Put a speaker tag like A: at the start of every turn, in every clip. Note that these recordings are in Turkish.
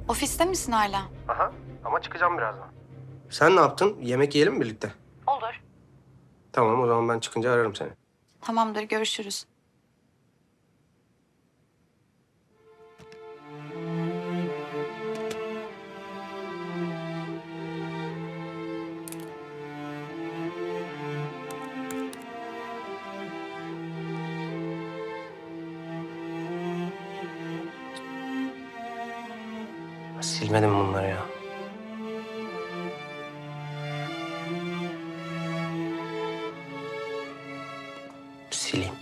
A: Ofiste misin hala?
B: Aha, ama çıkacağım birazdan. Sen ne yaptın? Yemek yiyelim mi birlikte?
A: Olur.
B: Tamam, o zaman ben çıkınca ararım seni.
A: Tamamdır, görüşürüz.
B: Silmedim bunları ya. Sileyim.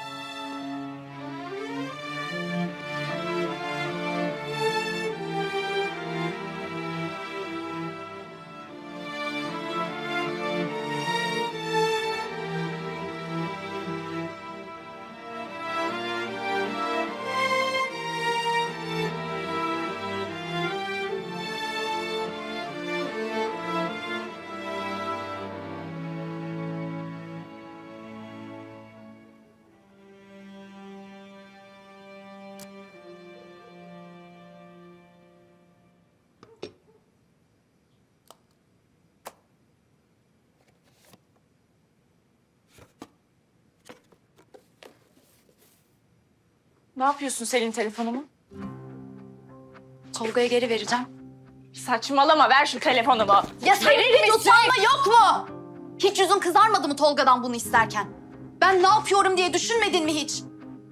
C: Ne yapıyorsun Selin telefonumu?
A: Tolga'ya geri vereceğim.
C: Saçmalama, ver şu telefonumu.
A: Ya sen
C: Verir
A: hiç
C: misin?
A: utanma yok mu? Hiç yüzün kızarmadı mı Tolga'dan bunu isterken? Ben ne yapıyorum diye düşünmedin mi hiç?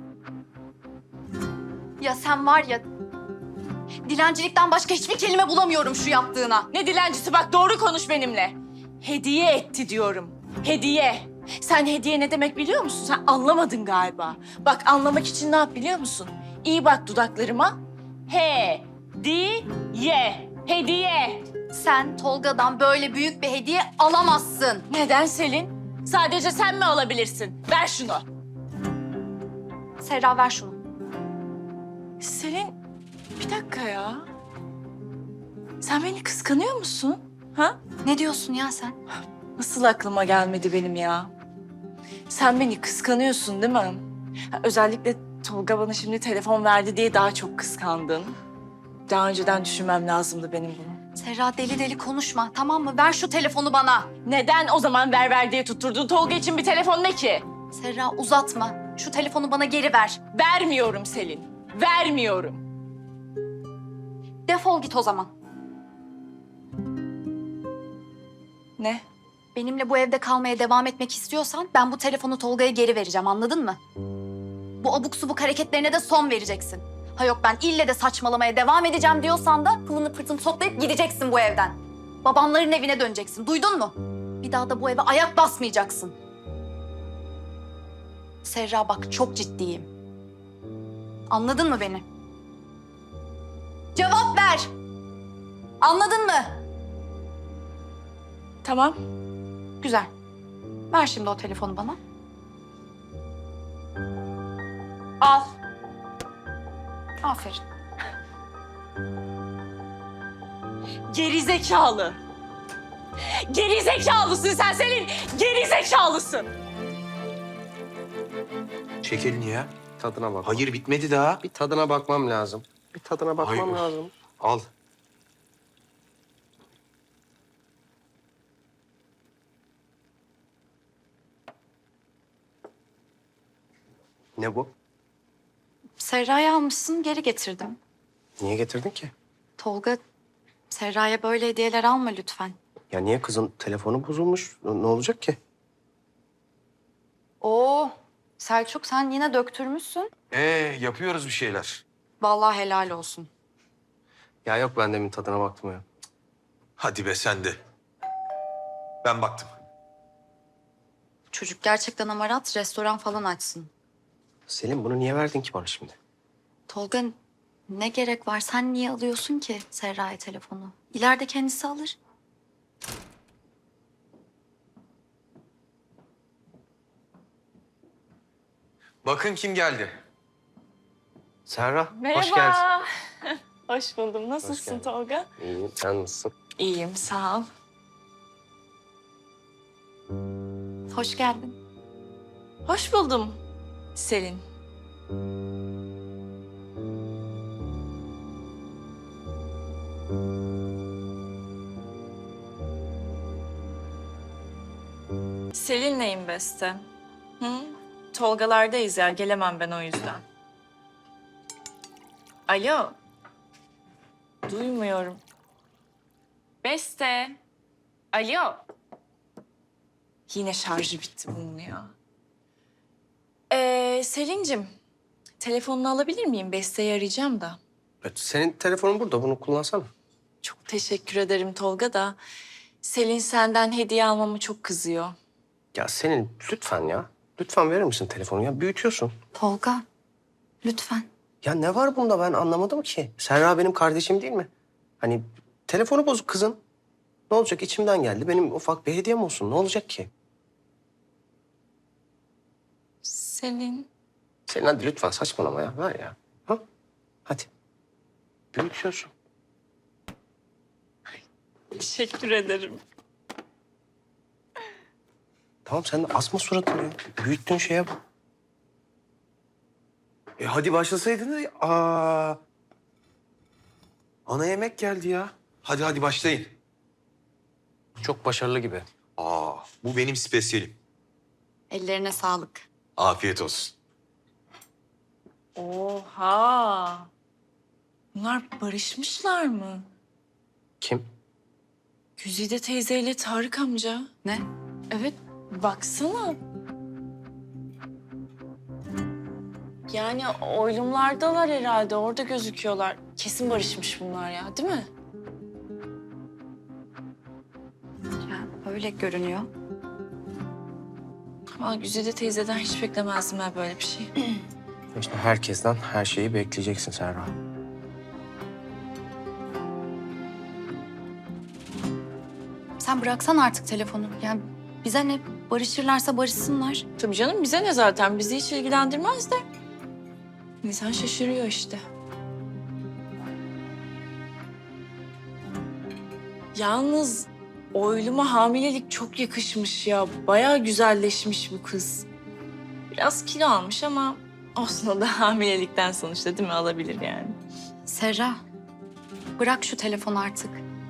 A: Ya sen var ya... Dilencilikten başka hiçbir kelime bulamıyorum şu yaptığına.
C: Ne dilencisi, bak doğru konuş benimle. Hediye etti diyorum. Hediye. Sen hediye ne demek biliyor musun? Sen anlamadın galiba. Bak anlamak için ne yap biliyor musun? İyi bak dudaklarıma. Hediye. Hediye.
A: Sen Tolga'dan böyle büyük bir hediye alamazsın.
C: Neden Selin? Sadece sen mi alabilirsin? Ver şunu.
A: Serra ver şunu.
C: Selin, bir dakika ya. Sen beni kıskanıyor musun? Ha?
A: Ne diyorsun ya sen?
C: Nasıl aklıma gelmedi benim ya? Sen beni kıskanıyorsun değil mi? Ha, özellikle Tolga bana şimdi telefon verdi diye daha çok kıskandın. Daha önceden düşünmem lazımdı benim bunu.
A: Serra deli deli konuşma tamam mı? Ver şu telefonu bana.
C: Neden o zaman ver diye tutturdun? Tolga için bir telefon ne ki?
A: Serra uzatma. Şu telefonu bana geri ver.
C: Vermiyorum Selin. Vermiyorum.
A: Defol git o zaman.
C: Ne?
A: Benimle bu evde kalmaya devam etmek istiyorsan ben bu telefonu Tolga'ya geri vereceğim anladın mı? Bu abuk subuk hareketlerine de son vereceksin. Ha yok ben ille de saçmalamaya devam edeceğim diyorsan da pılını pırtını toplayıp gideceksin bu evden. Babamların evine döneceksin duydun mu? Bir daha da bu eve ayak basmayacaksın. Serra bak çok ciddiyim. Anladın mı beni? Cevap ver. Anladın mı?
C: Tamam.
A: Güzel. Ver şimdi o telefonu bana.
C: Al.
A: Aferin.
C: Gerizekalı. Gerizekalısın sen Selin. Gerizekalısın.
D: Çek elini ya.
B: Tadına bak.
D: Hayır bitmedi daha.
B: Bir tadına bakmam lazım. Bir tadına bakmam
D: Hayır.
B: lazım.
D: Al.
B: Ne bu?
A: Serra'yı almışsın, geri getirdim.
B: Niye getirdin ki?
A: Tolga, Serra'ya böyle hediyeler alma lütfen.
B: Ya niye kızın telefonu bozulmuş? Ne olacak ki?
A: Oo, Selçuk sen yine döktürmüşsün.
D: Yapıyoruz bir şeyler.
A: Vallahi helal olsun.
B: Ya yok ben demin tadına baktım ya.
D: Hadi be sen de. Ben baktım.
A: Çocuk gerçekten amarat, restoran falan açsın.
B: Selim bunu niye verdin ki bana şimdi?
A: Tolga, ne gerek var? Sen niye alıyorsun ki Serra'ya telefonu? İleride kendisi alır.
D: Bakın kim geldi.
B: Serra,
C: Merhaba.
B: hoş geldin.
C: Hoş buldum. Nasılsın
B: geldin.
C: Tolga?
B: İyiyim, sen nasılsın?
C: İyiyim, sağ ol.
A: Hoş geldin.
C: Hoş buldum Selin. Selin'leyim Beste. Hı? Tolgalardayız ya, gelemem ben o yüzden. Alo. Duymuyorum. Beste. Alo. Yine şarjı bitti bunun ya. Selin'cim, telefonunu alabilir miyim? Beste'yi arayacağım da.
B: Senin telefonun burada, bunu kullansana.
C: Çok teşekkür ederim Tolga da. Selin senden hediye almamı çok kızıyor.
B: Ya senin lütfen ya. Lütfen verir misin telefonu ya? Büyütüyorsun.
A: Tolga, lütfen.
B: Ya ne var bunda ben anlamadım ki. Serra benim kardeşim değil mi? Hani telefonu bozuk kızın. Ne olacak içimden geldi. Benim ufak bir hediyem olsun. Ne olacak ki?
C: Selin.
B: Senin hadi lütfen saçmalama ya. Ver ya. Ha? Hadi. Büyütüyorsun.
C: Teşekkür ederim.
B: Tamam sen de asma suratını ya. Büyüttüğün şeye bak. Hadi başlasaydın da. Ana yemek geldi ya.
D: Hadi başlayın.
B: Çok başarılı gibi.
D: Bu benim spesiyelim.
A: Ellerine sağlık.
D: Afiyet olsun.
C: Oha. Bunlar barışmışlar mı?
B: Kim?
C: Güzide teyzeyle Tarık amca.
A: Ne?
C: Evet, baksana. Yani oylumlardalar herhalde, orada gözüküyorlar. Kesin barışmış bunlar ya, değil mi?
A: Ya, öyle görünüyor.
C: Ama Güzide teyzeden hiç beklemezdim ben böyle bir şey.
B: İşte herkesten her şeyi bekleyeceksin Serra.
A: Sen bıraksan artık telefonu. Yani bize ne? Barışırlarsa barışsınlar.
C: Tabii canım, bize ne zaten? Bizi hiç ilgilendirmez de. İnsan şaşırıyor işte. Yalnız oyluma hamilelik çok yakışmış ya. Bayağı güzelleşmiş bu kız. Biraz kilo almış ama olsun, o da hamilelikten sonuçta değil mi? Alabilir yani.
A: Serra, bırak şu telefonu artık.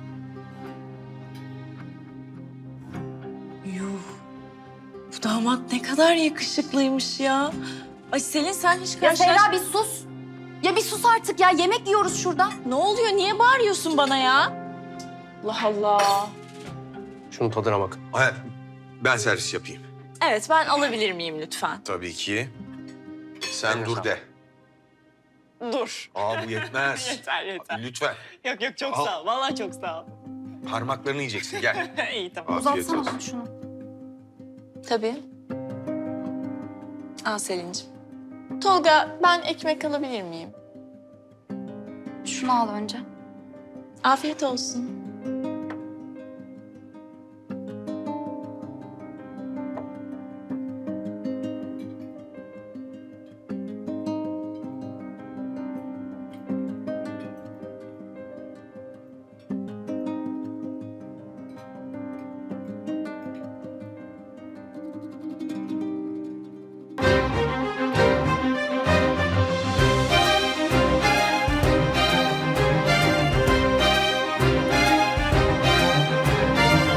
C: Yuh. Bu damat ne kadar yakışıklıymış ya. Ay Selin, sen hiç
A: Ya Serra bir sus. Ya bir sus artık ya. Yemek yiyoruz şurada.
C: Ne oluyor? Niye bağırıyorsun bana ya? Allah Allah.
B: Şunun tadına bak.
D: Ben servis yapayım.
C: Evet, ben alabilir miyim lütfen?
D: Tabii ki. Sen
B: Eline
D: dur
B: sağlık.
D: de.
C: Dur.
D: Bu yetmez.
C: Yeter.
D: Lütfen.
C: Yok çok
D: Al.
C: sağ ol. Vallahi çok sağ ol.
D: Parmaklarını yiyeceksin. Gel.
C: İyi tamam.
D: Afiyet
A: Uzatsana
D: olsun.
A: bana şunu.
C: Tabii. Al Selin'cim. Tolga, ben ekmek alabilir miyim?
A: Şunu al önce.
C: Afiyet olsun.